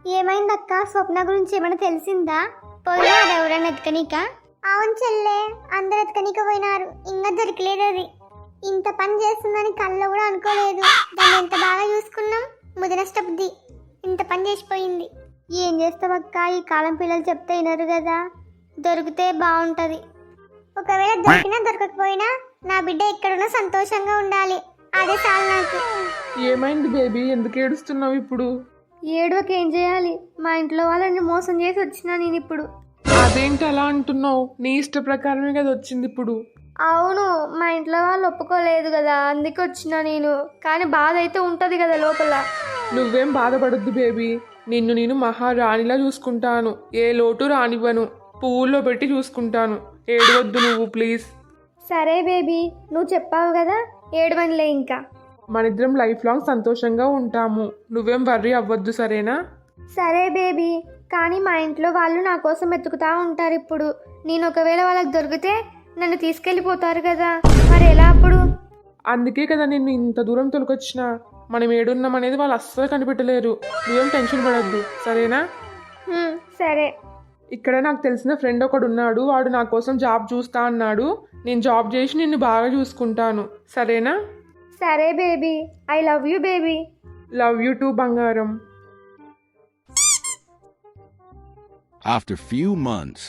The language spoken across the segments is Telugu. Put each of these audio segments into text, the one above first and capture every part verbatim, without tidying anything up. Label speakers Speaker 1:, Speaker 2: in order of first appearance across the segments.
Speaker 1: ఏమైందక్క? స్వప్న గురించి ఏమైనా తెలిసిందా? పోయినారు ఎవరైనా ఎత్తుకనీక? అవును చెల్లె, అందరు ఎత్తుకనీక పోయినారు, ఇంకా దొరికలేదు. అది ఇంత పని చేస్తుందని కళ్ళు కూడా అనుకోలేదు. దాన్ని ఎంత బాగా చూసుకున్నాం, ముదినష్ట బుద్ధి ఇంత పని చేసిపోయింది. ఏం చేస్తావక్క, ఈ కాలం పిల్లలు చెప్తే వినరు కదా. దొరికితే బాగుంటది. ఒకవేళ దొరికినా దొరకకపోయినా నా బిడ్డ ఎక్కడున్నా సంతోషంగా ఉండాలి, అదే చాలు నాకు.
Speaker 2: ఏమైంది బేబీ, ఎందుకు ఏడుస్తున్నావు ఇప్పుడు?
Speaker 1: ఏడవకి ఏం చేయాలి, మా ఇంట్లో వాళ్ళని మోసం చేసి వచ్చినా నేను ఇప్పుడు.
Speaker 2: అదేంటి అలా అంటున్నావు? నీ ఇష్ట ప్రకారమే కదా వచ్చింది ఇప్పుడు.
Speaker 1: అవును, మా ఇంట్లో వాళ్ళు ఒప్పుకోలేదు కదా, అందుకే వచ్చినా నేను. కానీ బాధ అయితే ఉంటది కదా లోపల.
Speaker 2: నువ్వేం బాధపడద్దు బేబీ, నిన్ను నేను మహారాణిలా చూసుకుంటాను. ఏ లోటు రానివ్వను, పువ్వుల్లో పెట్టి చూసుకుంటాను. ఏడవద్దు నువ్వు ప్లీజ్.
Speaker 1: సరే బేబీ, నువ్వు చెప్పావు కదా, ఏడవనిలే ఇంకా.
Speaker 2: మనిద్దరం లైఫ్ లాంగ్ సంతోషంగా ఉంటాము, నువ్వేం వర్రీ అవ్వద్దు సరేనా?
Speaker 1: సరే బేబీ, కానీ మా ఇంట్లో వాళ్ళు నా కోసం వెతుకుతా ఉంటారు ఇప్పుడు. నేను ఒకవేళ వాళ్ళకి దొరికితే నన్ను తీసుకెళ్ళిపోతారు కదా, మరి ఎలా అప్పుడు?
Speaker 2: అందుకే కదా నిన్ను ఇంత దూరం తొలకొచ్చిన. మనం ఏడున్నాం అనేది వాళ్ళు అస్సలు కనిపెట్టలేరు. నువ్వేం టెన్షన్ పడద్దు సరేనా?
Speaker 1: హ్మ్, సరే.
Speaker 2: ఇక్కడ నాకు తెలిసిన ఫ్రెండ్ ఒకడు ఉన్నాడు, వాడు నా కోసం జాబ్ చూస్తా అన్నాడు. నేను జాబ్ చేసి నిన్ను బాగా చూసుకుంటాను సరేనా?
Speaker 1: సరే baby, I love you baby.
Speaker 2: Love you too బంగారం.
Speaker 3: After few months.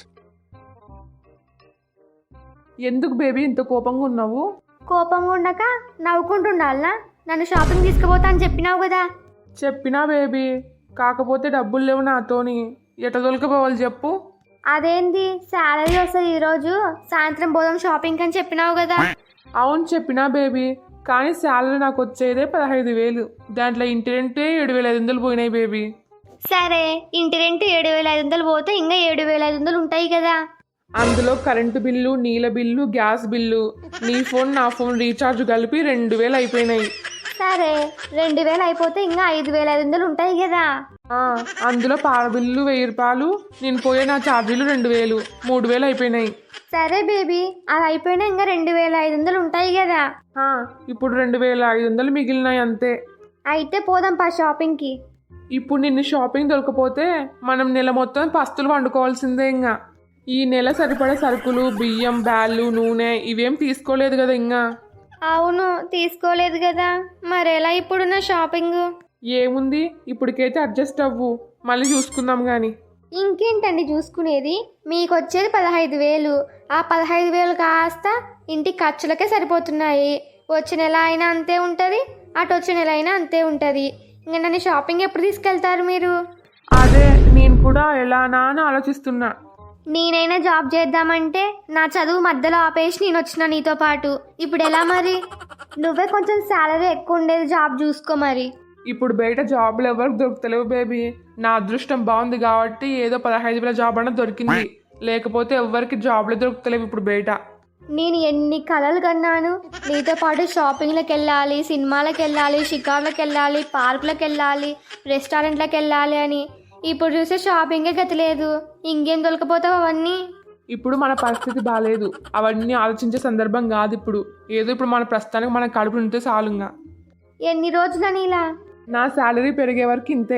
Speaker 2: ఎందుకు బేబీ ఇంత కోపంగా ఉన్నావు?
Speaker 1: కోపంగా ఉండక నవ్వుకుంటుండాలనా? నన్ను షాపింగ్ తీసుకుపోతా అని చెప్పినావు కదా.
Speaker 2: చెప్పినా బేబీ, కాకపోతే డబ్బులు లేవు నాతోని. ఎట దొలకపోవాలి చెప్పు?
Speaker 1: అదేంది, శాలరీ వస్తుంది ఈరోజు సాయంత్రం పోదాం షాపింగ్ అని చెప్పినావు కదా.
Speaker 2: అవును చెప్పినా బేబీ, కానీ శాలరీ నాకు వచ్చేదే పదహైదు వేలు. దాంట్లో ఇంటి రెంటే ఏడు వేల ఐదు వందలు పోయినాయి బేబీ.
Speaker 1: సరే, ఇంటి రెంట్ ఏడు వేల ఐదు వందలు పోతే ఇంకా ఏడు వేల ఐదు వందలు ఉంటాయి కదా.
Speaker 2: అందులో కరెంటు బిల్లు, నీళ్ళ బిల్లు, గ్యాస్ బిల్లు, నీ ఫోన్ నా ఫోన్ రీఛార్జ్ కలిపి రెండు వేలు అయిపోయినాయి.
Speaker 1: సరే, రెండు వేలు అయిపోతే ఇంకా ఐదు వేల ఐదు వందలు ఉంటాయి కదా.
Speaker 2: ఆ, అందులో పాల బిల్లు వెయ్యి రూపాయలు, నేను పోయే నా ఛార్జీలు రెండు వేలు, మూడు వేలు అయిపోయినాయి.
Speaker 1: సరే బేబీ, అది అయిపోయినా ఇంకా రెండు వేల ఐదు వందలు ఉంటాయి కదా.
Speaker 2: ఆ, ఇప్పుడు రెండు వేల ఐదు వందలు మిగిలినాయి అంతే.
Speaker 1: అయితే పోదాం పా షాపింగ్కి.
Speaker 2: ఇప్పుడు నిన్ను షాపింగ్ దొరకపోతే మనం నెల మొత్తం పస్తులు వండుకోవాల్సిందే. ఇంకా ఈ నెల సరిపడే సరుకులు, బియ్యం, బ్యాళ్ళు, నూనె ఇవేం తీసుకోలేదు కదా ఇంకా.
Speaker 1: అవును, తీసుకోలేదు కదా, మరి ఎలా ఇప్పుడు నా షాపింగ్?
Speaker 2: ఏముంది, ఇప్పటికైతే అడ్జస్ట్ అవ్వు, మళ్ళీ చూసుకుందాం గాని.
Speaker 1: ఇంకేంటండి చూసుకునేది, మీకు వచ్చేది పదహైదు వేలు. ఆ పదహైదు వేలు కాస్త ఇంటి ఖర్చులకే సరిపోతున్నాయి. వచ్చే నెల అయినా అంతే ఉంటుంది, అటు వచ్చే నెల అయినా అంతే ఉంటుంది. ఇంకా నన్ను షాపింగ్ ఎప్పుడు తీసుకెళ్తారు మీరు?
Speaker 2: అదే నేను కూడా ఎలానా అని ఆలోచిస్తున్నా.
Speaker 1: నేనైనా జాబ్ చేద్దామంటే నా చదువు మధ్యలో ఆపేసి నేను వచ్చిన నీతో పాటు. ఇప్పుడు ఎలా మరి? నువ్వే కొంచెం శాలరీ ఎక్కువ ఉండేది జాబ్ చూసుకో మరి.
Speaker 2: ఇప్పుడు బయట జాబ్లు ఎవరికి దొరుకుతలేవు బేబీ. నా అదృష్టం బాగుంది కాబట్టి ఏదో పదహైదు వేల జాబ్ అన్న దొరికింది, లేకపోతే ఎవరికి జాబ్లు దొరుకుతలేవు ఇప్పుడు బయట.
Speaker 1: నేను ఎన్ని కలలు కన్నాను, నీతో పాటు షాపింగ్లకు వెళ్ళాలి, సినిమాలకు వెళ్ళాలి, షికార్లకు వెళ్ళాలి, పార్కులకు వెళ్ళాలి, రెస్టారెంట్లకు వెళ్ళాలి అని. ఇప్పుడు చూసే షాపింగే గతి లేదు. ఇంకేం దొరకపోతావు అవన్నీ?
Speaker 2: ఇప్పుడు మన పరిస్థితి బాగాలేదు, అవన్నీ ఆలోచించే సందర్భం కాదు ఇప్పుడు. ఏదో ఇప్పుడు మన ప్రస్తుతానికి మన కడుపు నింటే చాలుగా.
Speaker 1: ఎన్ని రోజులని ఇలా?
Speaker 2: నా శాలరీ పెరిగే వరకు ఇంతే.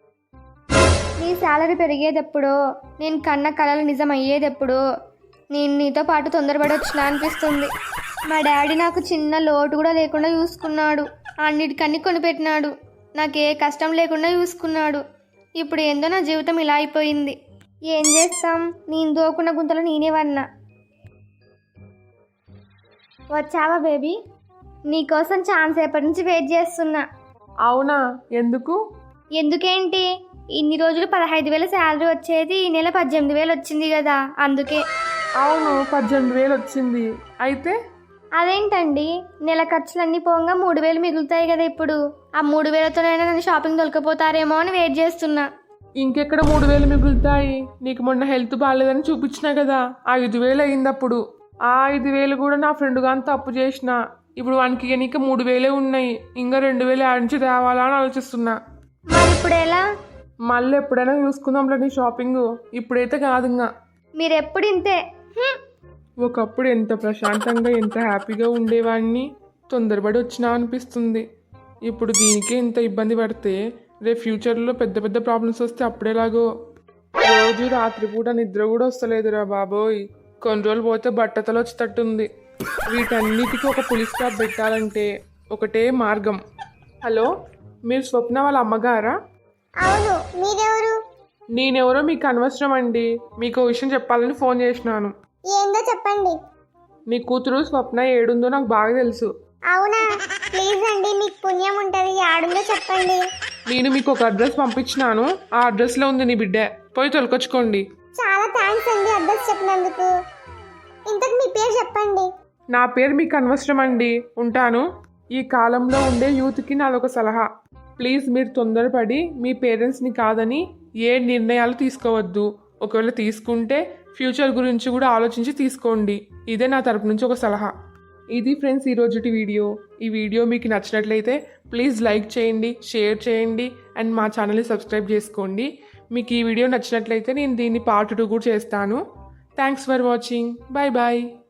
Speaker 1: నీ శాలరీ పెరిగేదెప్పుడో, నేను కన్న కలలు నిజం అయ్యేదెప్పుడో. నేను నీతో పాటు తొందరపడి వచ్చినా అనిపిస్తుంది. మా డాడీ నాకు చిన్న లోటు కూడా లేకుండా చూసుకున్నాడు, అన్నిటికన్నీ కొనిపెట్టినాడు, నాకు ఏ కష్టం లేకుండా చూసుకున్నాడు. ఇప్పుడు ఏందో నా జీవితం ఇలా అయిపోయింది. ఏం చేస్తాం, నేను దోకున్న గుంతలో నేనే వన్నా. వచ్చావా బేబీ? నీకోసం ఛాన్స్ ఎప్పటి నుంచి వెయిట్ చేస్తున్నా.
Speaker 2: అవునా, ఎందుకు?
Speaker 1: ఎందుకేంటి, ఇన్ని రోజులు పదహైదు వేల శాలరీ వచ్చేది, ఈ నెల పద్దెనిమిది వేలు వచ్చింది కదా, అందుకే.
Speaker 2: అవును, పద్దెనిమిది వేలు వచ్చింది. అయితే
Speaker 1: అదేంటండి, నెల ఖర్చులన్నీ పోగా మూడు వేలు మిగులుతాయి కదా ఇప్పుడు. ఆ మూడు వేలతోనైనా నన్ను షాపింగ్ దొరకపోతారేమో అని వెయిట్ చేస్తున్నా.
Speaker 2: ఇంకెక్కడ మూడు వేలు మిగులుతాయి? నీకు మొన్న హెల్త్ బాగాలేదని చూపించినా కదా, ఐదు వేలు అయింది అప్పుడు. ఆ ఐదు వేలు కూడా నా ఫ్రెండ్ గాని తప్పు చేసిన. ఇప్పుడు వానికి నీకు మూడు వేలే ఉన్నాయి, ఇంకా రెండు వేలు ఆడించి తేవాలా అని ఆలోచిస్తున్నా.
Speaker 1: మరి ఇప్పుడు ఎలా?
Speaker 2: మళ్ళీ ఎప్పుడైనా చూసుకుందాంలే నీ షాపింగ్, ఇప్పుడైతే కాదు. ఇంకా
Speaker 1: మీరు ఎప్పుడు ఇంతే. హ్మ్.
Speaker 2: ఒకప్పుడు ఎంత ప్రశాంతంగా ఎంత హ్యాపీగా ఉండేవాడిని, తొందరపడి వచ్చినా అనిపిస్తుంది. ఇప్పుడు దీనికే ఇంత ఇబ్బంది పడితే రేపు ఫ్యూచర్లో పెద్ద పెద్ద ప్రాబ్లమ్స్ వస్తే అప్పుడేలాగో. రోజు రాత్రిపూట నిద్ర కూడా వస్తలేదురా బాబోయ్. కొన్ని రోజులు పోతే బట్టతలు వచ్చేటట్టుంది. వీటన్నిటికీ ఒక పులి స్టాప్ పెట్టాలంటే ఒకటే మార్గం. హలో, మీరు స్వప్న వాళ్ళ అమ్మగారా?
Speaker 1: అవును, మీరెవరు?
Speaker 2: నేనెవరో మీకు అనవసరం అండి. మీకు ఓ విషయం చెప్పాలని ఫోన్ చేసినాను.
Speaker 1: ఏందో చెప్పండి.
Speaker 2: నీ కూతురు స్వప్న ఏడుందో నాకు బాగా తెలుసు.
Speaker 1: అవునా? ప్లీజ్ అండి, మీకు పుణ్యం ఉంటుంది, ఆడుందో చెప్పండి.
Speaker 2: నేను మీకు ఒక అడ్రస్ పంపించినాను. ఆ అడ్రస్లో ఉంది నీ బిడ్డ. పోయి తొలకొచ్చుకోండి.
Speaker 1: చాలా థ్యాంక్స్ అండి అడ్రస్ చెప్పినందుకు. ఇంతకు మీ పేరు చెప్పండి.
Speaker 2: నా పేరు మీకు అనవసరం అండి. ఉంటాను. ఈ కాలంలో ఉండే యూత్కి నాదొక సలహా. ప్లీజ్ మీరు తొందరపడి మీ పేరెంట్స్ని కాదని ఏ నిర్ణయాలు తీసుకోవద్దు. ఒకవేళ తీసుకుంటే ఫ్యూచర్ గురించి కూడా ఆలోచించి తీసుకోండి. ఇదే నా తరపు నుంచి ఒక సలహా. ఇది ఫ్రెండ్స్ ఈరోజుటి వీడియో. ఈ వీడియో మీకు నచ్చినట్లయితే ప్లీజ్ లైక్ చేయండి, షేర్ చేయండి అండ్ మా ఛానల్ని సబ్స్క్రైబ్ చేసుకోండి. మీకు ఈ వీడియో నచ్చినట్లయితే నేను దీన్ని పార్ట్ టూ కూడా చేస్తాను. Thanks for watching. Bye bye.